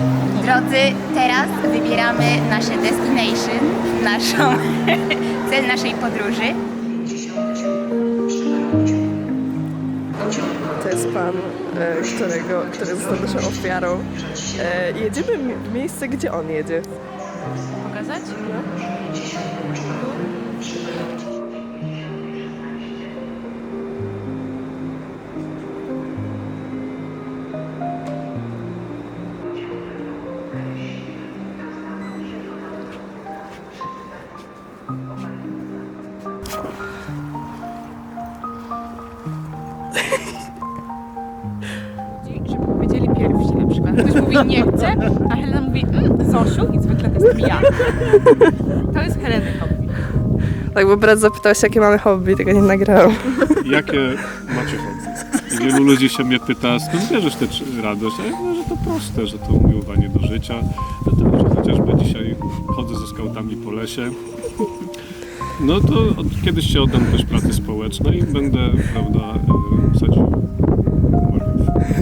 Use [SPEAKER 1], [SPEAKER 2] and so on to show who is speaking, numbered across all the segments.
[SPEAKER 1] Drodzy, teraz wybieramy nasze destination, cel naszej podróży.
[SPEAKER 2] To jest pan, który został naszą ofiarą. Jedziemy w miejsce, gdzie on jedzie.
[SPEAKER 1] Pokazać?
[SPEAKER 3] Żeby powiedzieli pierwsi na przykład. Ktoś mówi nie chcę, a Helena mówi Zosiu i zwykle to jestem ja. To jest Heleny hobby.
[SPEAKER 2] Tak, bo brat zapytał się, jakie mamy hobby, tego nie nagrałam.
[SPEAKER 4] Jakie macie hobby? I wielu ludzi się mnie pyta, skąd bierzesz tę radość? A ja mówię, że to proste, że to umiłowanie do życia. Dlatego, że chociażby dzisiaj chodzę ze skautami po lesie. No to kiedyś się oddam też pracy społecznej i będę, prawda, sadził marchew.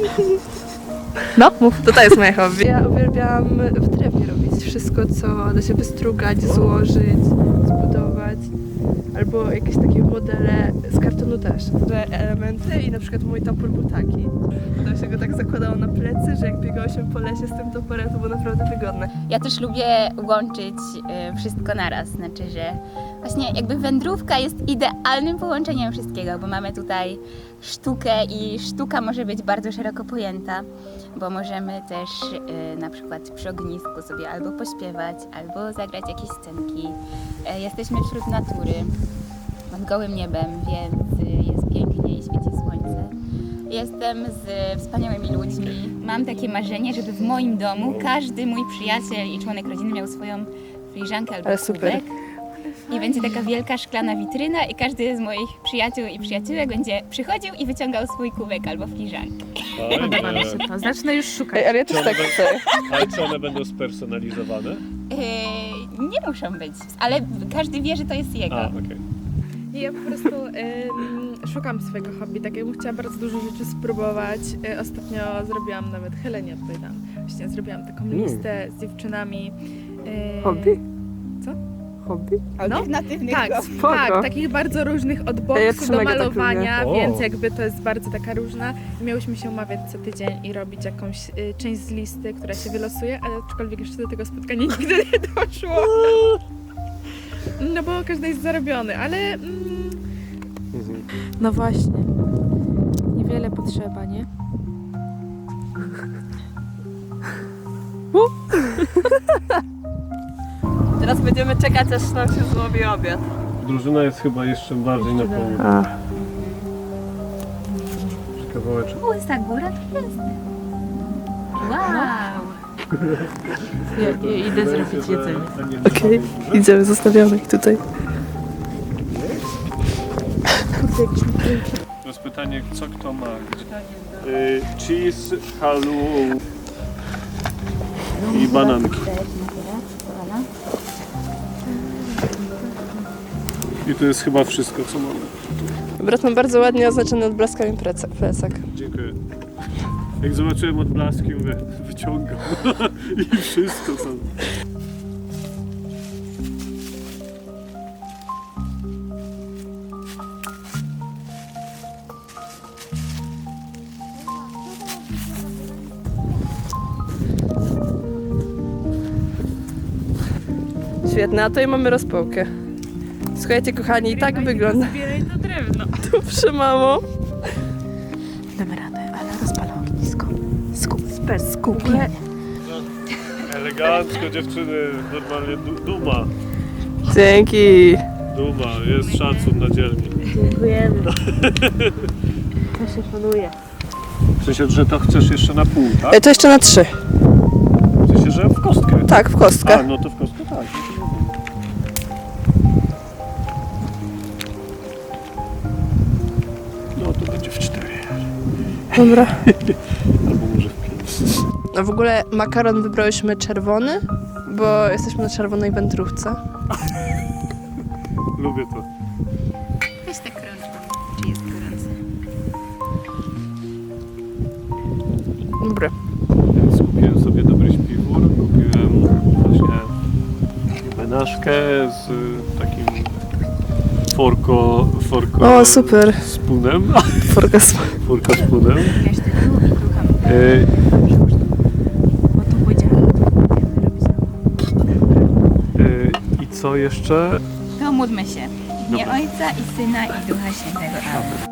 [SPEAKER 2] No, mów. To jest moje hobby. Ja uwielbiam w drewnie robić wszystko, co da się wystrugać, złożyć, zbudować. Albo jakieś takie modele z kartonu też. Te elementy i na przykład mój topór był taki. To się go tak zakładało na plecy, że jak biegało się po lesie z tym toporem, to było naprawdę wygodne.
[SPEAKER 1] Ja też lubię łączyć wszystko naraz, znaczy, że właśnie jakby wędrówka jest idealnym połączeniem wszystkiego, bo mamy tutaj sztukę i sztuka może być bardzo szeroko pojęta, bo możemy też na przykład przy ognisku sobie albo pośpiewać, albo zagrać jakieś scenki. Jesteśmy wśród natury, pod gołym niebem, więc jest pięknie i świeci słońce. Jestem z wspaniałymi ludźmi. Mam takie marzenie, żeby w moim domu każdy mój przyjaciel i członek rodziny miał swoją filiżankę albo
[SPEAKER 2] Ale super.
[SPEAKER 1] kubek. I będzie taka wielka szklana witryna i każdy z moich przyjaciół i przyjaciółek będzie przychodził i wyciągał swój kubek albo filiżankę.
[SPEAKER 3] Podoba mi się to. Zacznę już szukać.
[SPEAKER 2] Ej, ale ja też tak chcę.
[SPEAKER 4] Ale czy one będą spersonalizowane?
[SPEAKER 1] Nie muszą być, ale każdy wie, że to jest jego.
[SPEAKER 4] A, okej.
[SPEAKER 5] Ja po prostu szukam swojego hobby, tak jakbym chciała bardzo dużo rzeczy spróbować. Ostatnio zrobiłam nawet Helenie odpowiadam. Właśnie zrobiłam taką listę z dziewczynami.
[SPEAKER 2] Hobby?
[SPEAKER 5] Co?
[SPEAKER 2] Hobby?
[SPEAKER 1] Alternatywnych
[SPEAKER 5] Tak,
[SPEAKER 2] Spoko.
[SPEAKER 5] tak, takich bardzo różnych od
[SPEAKER 2] Ja
[SPEAKER 5] boksu
[SPEAKER 2] też
[SPEAKER 5] do
[SPEAKER 2] mega tak
[SPEAKER 5] malowania,
[SPEAKER 4] lubię.
[SPEAKER 5] więc
[SPEAKER 4] O.
[SPEAKER 5] jakby to jest bardzo taka różna. I miałyśmy się umawiać co tydzień i robić jakąś część z listy, która się wylosuje, ale aczkolwiek jeszcze do tego spotkania nigdy nie doszło. No bo każdy jest zarobiony, ale
[SPEAKER 3] No właśnie. Niewiele potrzeba, nie?
[SPEAKER 2] Teraz będziemy czekać, aż nam się złowi obiad.
[SPEAKER 4] Drużyna jest chyba jeszcze bardziej na południu.
[SPEAKER 2] A.
[SPEAKER 4] Kawałeczek.
[SPEAKER 1] Pusta góra to jest. Wow!
[SPEAKER 3] Ja idę zrobić jedzenie.
[SPEAKER 2] Okej, idziemy, zostawiamy ich tutaj.
[SPEAKER 4] To jest pytanie, co kto ma. Cheese, halu i bananki. I to jest chyba wszystko, co mamy.
[SPEAKER 2] Brat ma bardzo ładnie oznaczony odblaskami plecak.
[SPEAKER 4] Dziękuję. Jak zobaczyłem odblaski, mówię, wyciągam i wszystko to.
[SPEAKER 2] Świetne, a tutaj mamy rozpałkę. Słuchajcie kochani, i tak wygląda.
[SPEAKER 5] zbieraj to drewno.
[SPEAKER 2] Dobrze, mamo.
[SPEAKER 3] Damy radę, ale rozpalę ognisko. Skup.
[SPEAKER 4] Elegancko dziewczyny, normalnie duma.
[SPEAKER 2] Dzięki.
[SPEAKER 4] Duma, jest szacun na dzielni.
[SPEAKER 3] Dziękujemy. To się szanuje.
[SPEAKER 4] W sensie, że to chcesz jeszcze na pół, tak?
[SPEAKER 2] To jeszcze na 3.
[SPEAKER 4] W sensie, że w kostkę.
[SPEAKER 2] Tak, w kostkę.
[SPEAKER 4] A, no to w kostkę tak. No to będzie w 4.
[SPEAKER 2] Dobra.
[SPEAKER 4] Albo może w 5.
[SPEAKER 2] No w ogóle makaron wybrałyśmy czerwony, bo jesteśmy na czerwonej wędrówce.
[SPEAKER 4] Lubię to.
[SPEAKER 1] Weź tak rączką, czy jest gorąco.
[SPEAKER 2] Dobra.
[SPEAKER 4] Ja skupiłem sobie do marynarkę z takim forko
[SPEAKER 2] O, super.
[SPEAKER 4] spunem.
[SPEAKER 2] Forgas.
[SPEAKER 4] Forko spunem.
[SPEAKER 1] Wiesz, ty tu i tu tam.
[SPEAKER 3] Bo tu pójdziemy.
[SPEAKER 4] I co jeszcze?
[SPEAKER 1] To módlmy się. W imię
[SPEAKER 4] Dobra.
[SPEAKER 1] Ojca i Syna i Ducha Świętego. Amen.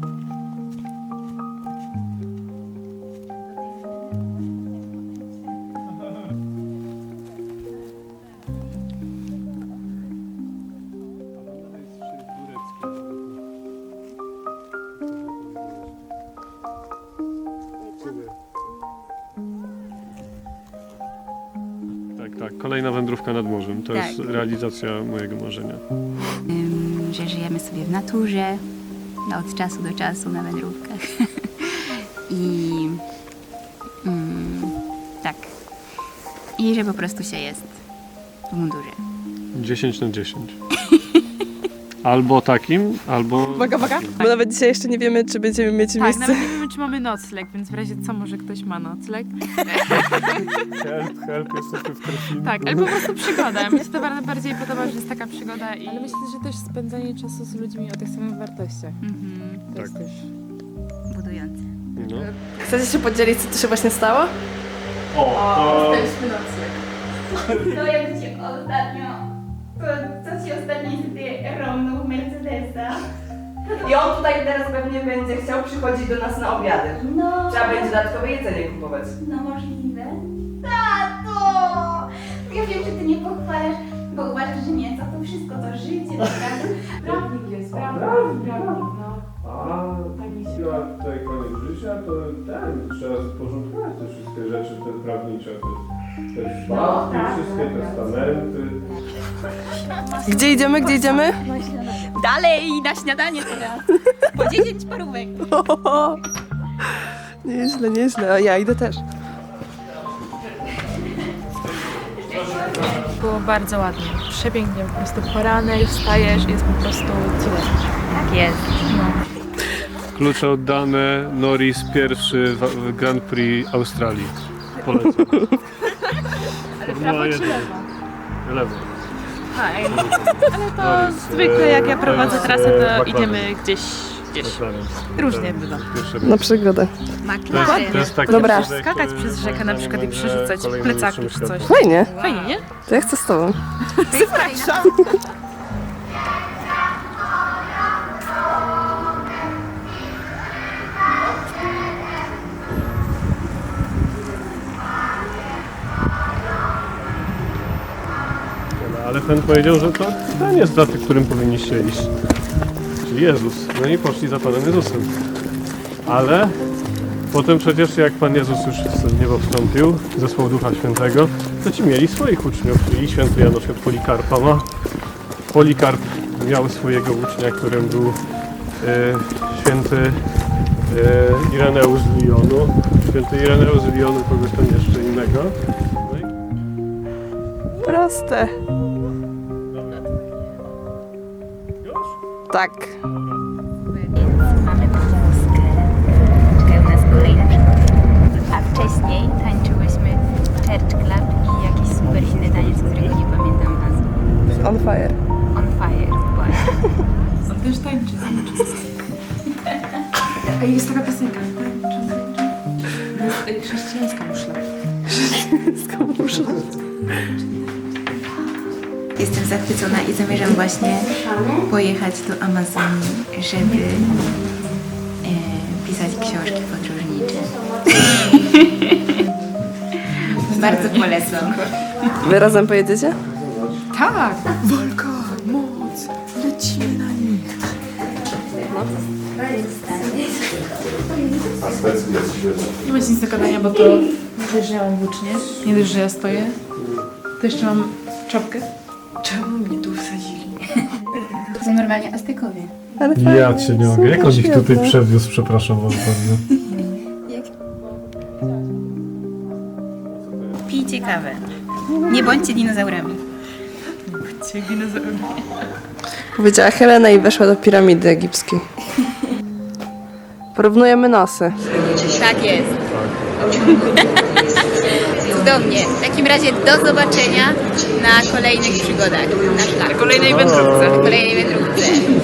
[SPEAKER 4] Tak, kolejna wędrówka nad morzem. To
[SPEAKER 1] Tak.
[SPEAKER 4] jest realizacja mojego marzenia.
[SPEAKER 1] Że żyjemy sobie w naturze, od czasu do czasu na wędrówkach. I tak. I że po prostu się jest w mundurze.
[SPEAKER 4] 10 na 10. Albo takim, albo...
[SPEAKER 3] Uwaga, uwaga.
[SPEAKER 2] Bo nawet dzisiaj jeszcze nie wiemy, czy będziemy mieć
[SPEAKER 3] Tak,
[SPEAKER 2] miejsce.
[SPEAKER 3] nawet nie wiemy, czy mamy nocleg, więc w razie co, może ktoś ma nocleg.
[SPEAKER 4] Help, jesteśmy w krwi.
[SPEAKER 3] Tak, ale po prostu przygoda. Mi się to bardziej podoba, że jest taka przygoda i... Ale myślę, że też spędzanie czasu z ludźmi o tych samych wartościach. To
[SPEAKER 4] Tak.
[SPEAKER 3] jest też...
[SPEAKER 1] Budujące.
[SPEAKER 4] No.
[SPEAKER 2] Chcecie się podzielić, co tu się właśnie stało?
[SPEAKER 1] To jak ci ostatnio, co ci ostatnio niestety romnął Mercedesa.
[SPEAKER 6] I on tutaj teraz pewnie będzie chciał przychodzić do nas na obiady.
[SPEAKER 1] No,
[SPEAKER 6] Trzeba będzie dodatkowe jedzenie kupować.
[SPEAKER 1] no możliwe. Tato! Ja wiem, że ty nie pochwalasz, bo uważasz, że mięso to wszystko, to życie, prawda?
[SPEAKER 3] Prawnik jest, prawnik, no.
[SPEAKER 4] A ja tutaj koniec życia, to trzeba porządkować te wszystkie rzeczy, te prawnicze, te szpachty, wszystkie testamenty.
[SPEAKER 2] Gdzie idziemy? Gdzie idziemy?
[SPEAKER 1] Dalej na śniadanie teraz. Po 10 parówek.
[SPEAKER 2] Nieźle, nieźle. A ja idę też.
[SPEAKER 3] Było bardzo ładnie, przepięknie, po prostu poranek, wstajesz i jest po prostu cudownie.
[SPEAKER 1] Tak jest.
[SPEAKER 4] Klucze oddane, Norris pierwszy w Grand Prix Australii. Polecam. Formuła 1. Lewo.
[SPEAKER 3] Ale to zwykle jak ja prowadzę trasę, to idziemy gdzieś.
[SPEAKER 4] McLaren.
[SPEAKER 3] Różnie bywa.
[SPEAKER 4] Pierwszy
[SPEAKER 2] Na przygodę.
[SPEAKER 4] To jest taki
[SPEAKER 2] Dobra.
[SPEAKER 4] odcinek,
[SPEAKER 3] Skakać przez rzekę na przykład i przerzucać
[SPEAKER 4] kolejnym
[SPEAKER 3] plecaki
[SPEAKER 4] naszym
[SPEAKER 3] czy coś.
[SPEAKER 4] światem.
[SPEAKER 2] Fajnie.
[SPEAKER 3] Fajnie, nie?
[SPEAKER 2] To ja chcę z tobą.
[SPEAKER 4] Ale ten powiedział, że to ten jest za tym, którym powinniście iść. Czyli Jezus. No i poszli za Panem Jezusem. Ale potem przecież jak Pan Jezus już w niebo wstąpił, zesłał Ducha Świętego, to ci mieli swoich uczniów. I święty Jan na przykład Polikarpa ma. Polikarp miał swojego ucznia, którym był święty Ireneusz z Lyonu. Święty Ireneusz z Lyonu kogoś tam jeszcze innego. No i
[SPEAKER 2] Proste.
[SPEAKER 4] już?
[SPEAKER 2] Tak.
[SPEAKER 1] Więc mamy Polskę. Czekają nas kolejne przygody. A wcześniej tańczyłyśmy Church Club i jakiś super inny taniec, którego nie pamiętam nazwy.
[SPEAKER 2] On fire.
[SPEAKER 1] On Fire, właśnie.
[SPEAKER 3] On też tańczy. A jest taka piosenka. Jest chrześcijańska muszla.
[SPEAKER 1] Jestem zachwycona i zamierzam właśnie pojechać do Amazonii, żeby pisać książki podróżnicze. Bardzo polecam.
[SPEAKER 2] Wy razem pojedziecie?
[SPEAKER 3] Tak! Walka, moc, lecimy na nich. Nie ma nic do gadania, bo to nie dość, że ja mam włócznie, nie dość, że ja stoję, to jeszcze mam czapkę. Czemu mnie tu wsadzili?
[SPEAKER 1] To są normalnie Aztekowie.
[SPEAKER 2] Ale fajnie.
[SPEAKER 4] Ja cię nie mogę. Jak on ich tutaj przewiózł, przepraszam bardzo.
[SPEAKER 1] Pijcie kawę. Nie bądźcie dinozaurami.
[SPEAKER 2] Powiedziała Helena i weszła do piramidy egipskiej. Porównujemy nosy.
[SPEAKER 1] Tak jest. cudownie. W takim razie do zobaczenia na kolejnych przygodach na szlaku.
[SPEAKER 2] Kolejnej wędrówce.
[SPEAKER 1] Kolejnej wędrówce.